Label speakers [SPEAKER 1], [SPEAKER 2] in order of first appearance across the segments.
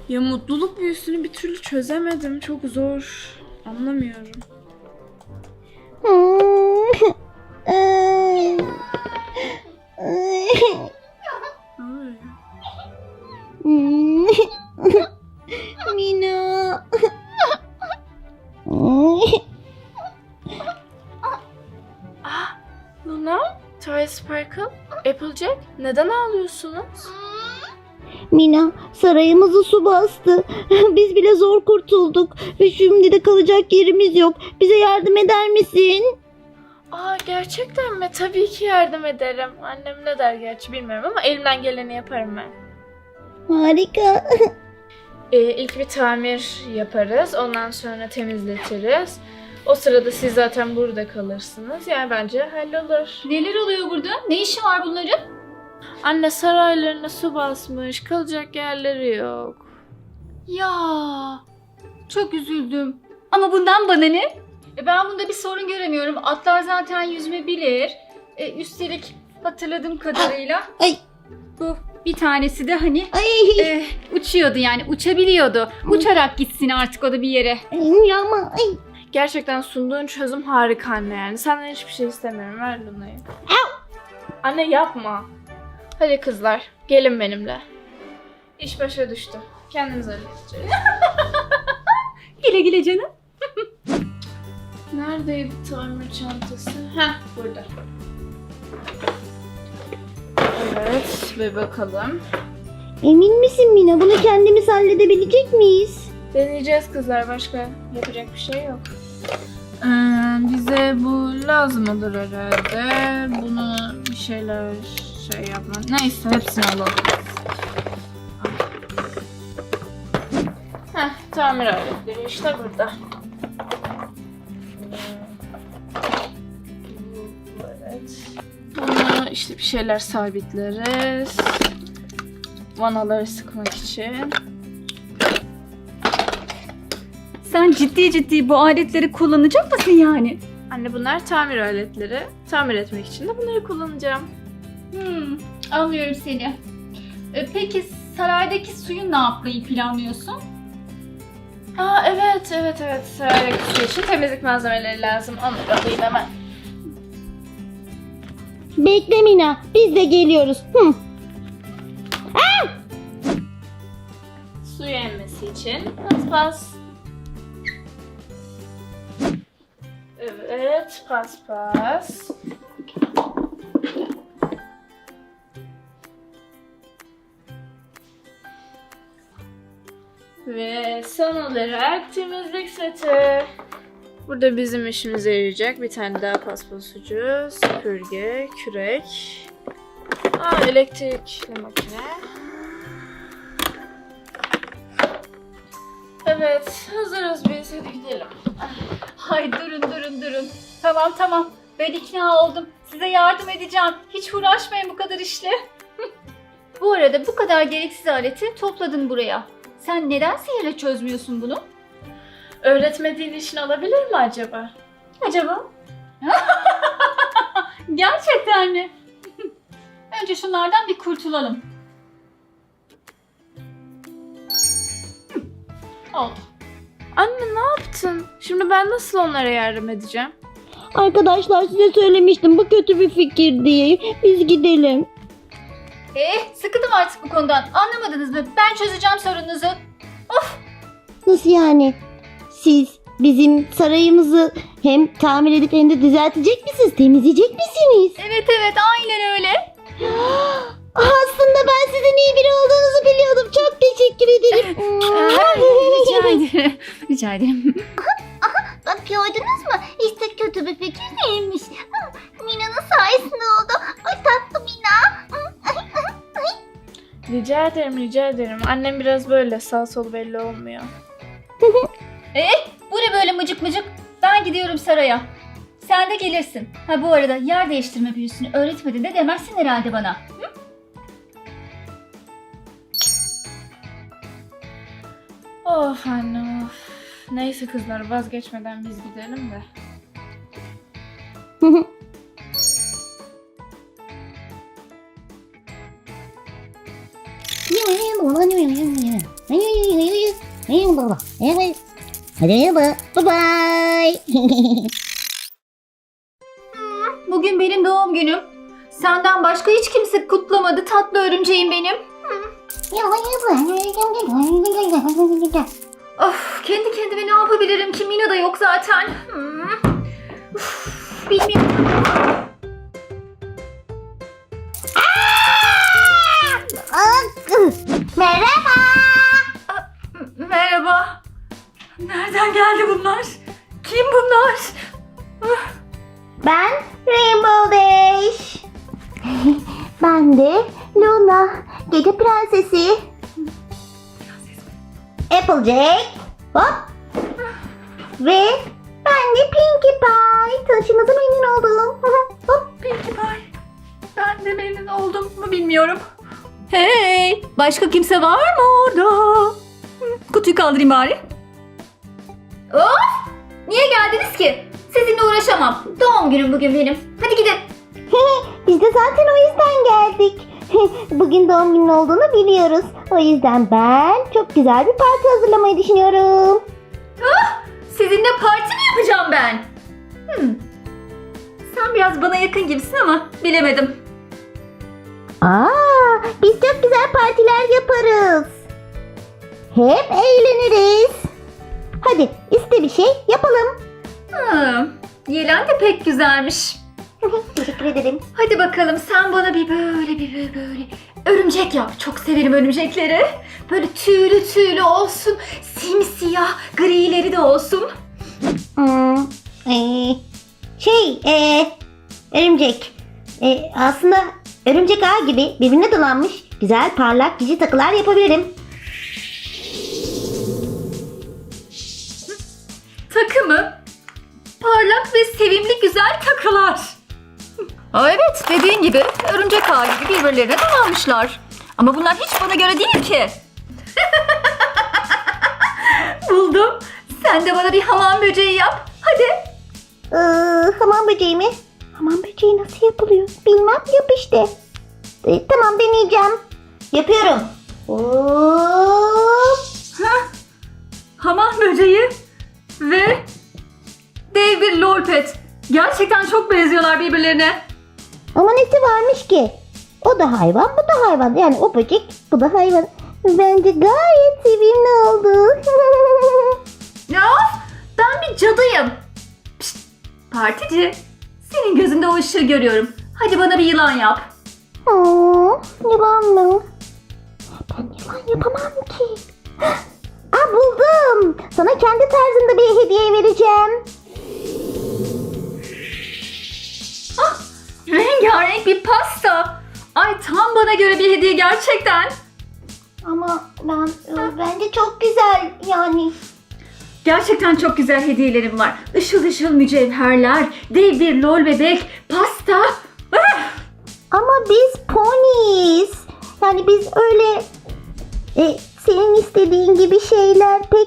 [SPEAKER 1] Ya mutluluk büyüsünü bir türlü çözemedim. Çok zor. Anlamıyorum. Ay.
[SPEAKER 2] Mina.
[SPEAKER 1] Luna, Toy Sparkle, Applejack, neden ağlıyorsunuz?
[SPEAKER 2] Mina, sarayımızı su bastı. Biz bile zor kurtulduk. Ve şimdi de kalacak yerimiz yok. Bize yardım eder misin?
[SPEAKER 1] Aa, gerçekten mi? Tabii ki yardım ederim. Annem ne der gerçi bilmiyorum ama elimden geleni yaparım ben.
[SPEAKER 2] Harika.
[SPEAKER 1] İlk bir tamir yaparız. Ondan sonra temizletiriz. O sırada siz zaten burada kalırsınız. Yani bence hallolur.
[SPEAKER 3] Neler oluyor burada? Ne işi var bunların?
[SPEAKER 1] Anne saraylarına su basmış. Kalacak yerleri yok.
[SPEAKER 3] Ya çok üzüldüm. Ama bundan bana ne? Ben bunda bir sorun göremiyorum. Atlar zaten yüzme bilir. Üstelik hatırladığım kadarıyla
[SPEAKER 2] Ay.
[SPEAKER 3] bu bir tanesi de hani
[SPEAKER 2] Ay.
[SPEAKER 3] uçuyordu yani uçabiliyordu. Uçarak gitsin artık o da bir yere.
[SPEAKER 2] Ya ama ay.
[SPEAKER 1] Gerçekten sunduğun çözüm harika anne yani. Senden hiçbir şey istemiyorum. Ver Luna'yı. Anne yapma. Hadi kızlar gelin benimle. İş başa düştü. Kendiniz halledeceğiz.
[SPEAKER 3] Güle güle canım.
[SPEAKER 1] Neredeydi tamir çantası? Heh, burada. Evet, bir bakalım.
[SPEAKER 2] Emin misin Mina? Bunu kendimiz halledebilecek miyiz?
[SPEAKER 1] Deneyeceğiz kızlar, başka yapacak bir şey yok. Bize bu lazım olur herhalde. Bunu bir şeyler yapmak. Neyse, hepsini alalım. Heh, tamir aletleri işte burada. Evet. Bunu işte bir şeyler sabitleriz. Vanaları sıkmak için.
[SPEAKER 3] Sen ciddi bu aletleri kullanacak mısın yani?
[SPEAKER 1] Anne bunlar tamir aletleri. Tamir etmek için de bunları kullanacağım.
[SPEAKER 3] Anlıyorum seni. Peki saraydaki suyu ne yapmayı planlıyorsun?
[SPEAKER 1] Aa evet. Saraydaki su için temizlik malzemeleri lazım. Onları alayım hemen.
[SPEAKER 2] Bekle Mina. Biz de geliyoruz.
[SPEAKER 1] Suyu emmesi için paspas. Evet, paspas. Ve son olarak temizlik seti. Burada bizim işimize yarayacak bir tane daha paspas ucu, süpürge, kürek. Elektrikli makine. Evet, hazırız biz. Hadi gidelim.
[SPEAKER 3] Hay durun. Tamam. Ben ikna oldum. Size yardım edeceğim. Hiç uğraşmayın bu kadar işle. Bu arada bu kadar gereksiz aleti topladın buraya. Sen neden sihirle çözmüyorsun bunu?
[SPEAKER 1] Öğretmediğin için olabilir mi acaba?
[SPEAKER 3] Acaba? Gerçekten mi? Önce şunlardan bir kurtulalım. Oldu.
[SPEAKER 1] Anne ne yaptın? Şimdi ben nasıl onlara yardım edeceğim?
[SPEAKER 2] Arkadaşlar size söylemiştim. Bu kötü bir fikir diye. Biz gidelim.
[SPEAKER 3] Sıkıldım artık bu konudan. Anlamadınız mı? Ben çözeceğim sorununuzu.
[SPEAKER 2] Nasıl yani? Siz bizim sarayımızı hem tamir edip hem de düzeltecek misiniz? Temizleyecek misiniz?
[SPEAKER 3] Evet aynen öyle.
[SPEAKER 2] Aslında ben sizin iyi biri olduğunuzu biliyordum. Çok teşekkür ederim.
[SPEAKER 3] Rica ederim.
[SPEAKER 2] Bak gördünüz mü? İşte kötü bir fikir değilmiş. Mina'nın sayesinde oldu. Ay tatlı Mina.
[SPEAKER 1] Rica ederim. Annem biraz böyle sağ sol belli olmuyor.
[SPEAKER 3] Bu ne böyle mıcık? Ben gidiyorum saraya. Sen de gelirsin. Ha bu arada yer değiştirme büyüsünü öğretmedin de demezsin herhalde bana.
[SPEAKER 1] Of anne of. Neyse kızlar vazgeçmeden biz gidelim de.
[SPEAKER 2] Merhaba. Evet. Hadi merhaba. Bye bye.
[SPEAKER 3] Bugün benim doğum günüm. Senden başka hiç kimse kutlamadı tatlı örümceğim benim. Of, kendi kendime ne yapabilirim ki? Mina da yok zaten. Uf, bilmiyorum.
[SPEAKER 2] Merhaba.
[SPEAKER 3] Merhaba. Nereden geldi bunlar? Kim bunlar?
[SPEAKER 2] Ben Rainbow Dash. Ben de Luna, gece prensesi. Applejack. Hop. Ve ben de Pinkie Pie. Tanıştığımıza memnun oldum. Hop.
[SPEAKER 3] Pinkie Pie. Ben de memnun oldum mu bilmiyorum. Hey! Başka kimse var mı orada? Kutuyu kaldırayım bari. Of! Niye geldiniz ki? Sizinle uğraşamam. Doğum günüm bugün benim. Hadi gidin.
[SPEAKER 2] Biz de zaten o yüzden geldik. Bugün doğum günün olduğunu biliyoruz. O yüzden ben çok güzel bir parti hazırlamayı düşünüyorum.
[SPEAKER 3] Sizinle parti mi yapacağım ben? Sen biraz bana yakın gibisin ama bilemedim.
[SPEAKER 2] Biz çok güzel partiler yaparız. Hep eğleniriz. Hadi iste bir şey yapalım.
[SPEAKER 3] Yelen de pek güzelmiş.
[SPEAKER 2] Teşekkür ederim.
[SPEAKER 3] Hadi bakalım sen bana bir böyle örümcek yap. Çok severim örümcekleri. Böyle tüylü tüylü olsun. Simsiyah grileri de olsun.
[SPEAKER 2] Örümcek. Aslında örümcek ağ gibi birbirine dolanmış güzel parlak cici takılar yapabilirim.
[SPEAKER 3] Takı mı? Parlak ve sevimli güzel takılar. Evet, dediğin gibi örümcek ağı gibi birbirlerine dolanmışlar. Ama bunlar hiç bana göre değil ki. Buldum. Sen de bana bir hamam böceği yap. Hadi.
[SPEAKER 2] Hamam böceği mi? Hamam böceği nasıl yapılıyor? Bilmem, yap işte. Tamam, deneyeceğim. Yapıyorum. Hop.
[SPEAKER 3] Hamam böceği ve dev bir lolpet. Gerçekten çok benziyorlar birbirlerine.
[SPEAKER 2] Ama nesi varmış ki? O da hayvan, bu da hayvan. Yani o böcek, bu da hayvan. Bence gayet sevimli oldu.
[SPEAKER 3] Ya ben bir cadıyım. Pişt, partici. Senin gözünde o ışığı görüyorum. Hadi bana bir yılan yap.
[SPEAKER 2] Yılan mı? Ben yılan yapamam ki. Buldum. Sana kendi tarzında bir hediye vereceğim.
[SPEAKER 3] Rengarenk bir pasta. Ay tam bana göre bir hediye gerçekten.
[SPEAKER 2] Ama bence çok güzel yani.
[SPEAKER 3] Gerçekten çok güzel hediyelerim var. Işıl ışıl mücevherler, dev bir lol bebek, pasta.
[SPEAKER 2] Ama biz poniyiz. Yani biz öyle senin istediğin gibi şeyler pek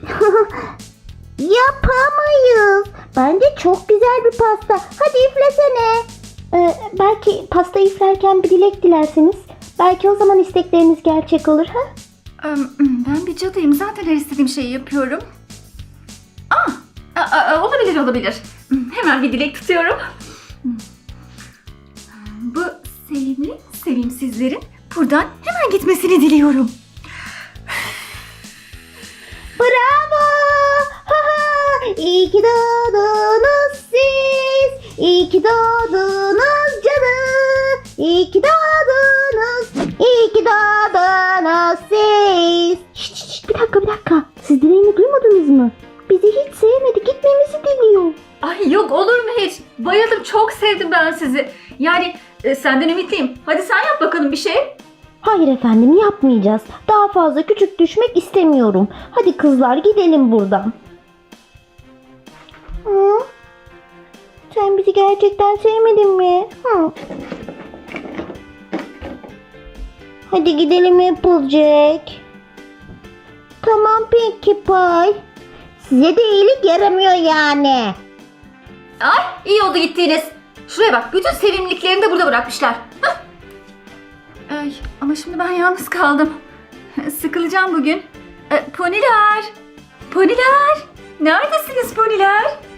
[SPEAKER 2] yapamayız. Bence çok güzel bir pasta. Hadi üflesene. Belki pasta üflerken bir dilek dilerseniz. Belki o zaman istekleriniz gerçek olur ha?
[SPEAKER 3] Ben bir cadıyım. Zaten her istediğim şeyi yapıyorum. Olabilir. Hemen bir dilek tutuyorum. Bu sevimli sevimsizlerin buradan hemen gitmesini diliyorum.
[SPEAKER 2] Bravo! İyi ki doğdunuz siz. İyi ki doğdunuz canım. İyi ki doğdunuz. İyi ki doğdunuz siz. Şşt, bir dakika. Siz dileğini duymadınız mı? Bizi hiç sevmedi. Gitmemizi diliyor.
[SPEAKER 3] Ay yok olur mu hiç? Bayıldım. Çok sevdim ben sizi. Yani senden ümitliyim. Hadi sen yap bakalım bir şey.
[SPEAKER 2] Hayır efendim, yapmayacağız. Daha fazla küçük düşmek istemiyorum. Hadi kızlar, gidelim buradan. Sen bizi gerçekten sevmedin mi? Hadi gidelim Applejack. Tamam Pinkie Pie. Size de iyilik yaramıyor yani.
[SPEAKER 3] Ay iyi oldu gittiğiniz. Şuraya bak. Bütün sevimliliklerini de burada bırakmışlar. Ay ama şimdi ben yalnız kaldım. Sıkılacağım bugün. Poniler! Poniler! Neredesiniz poniler?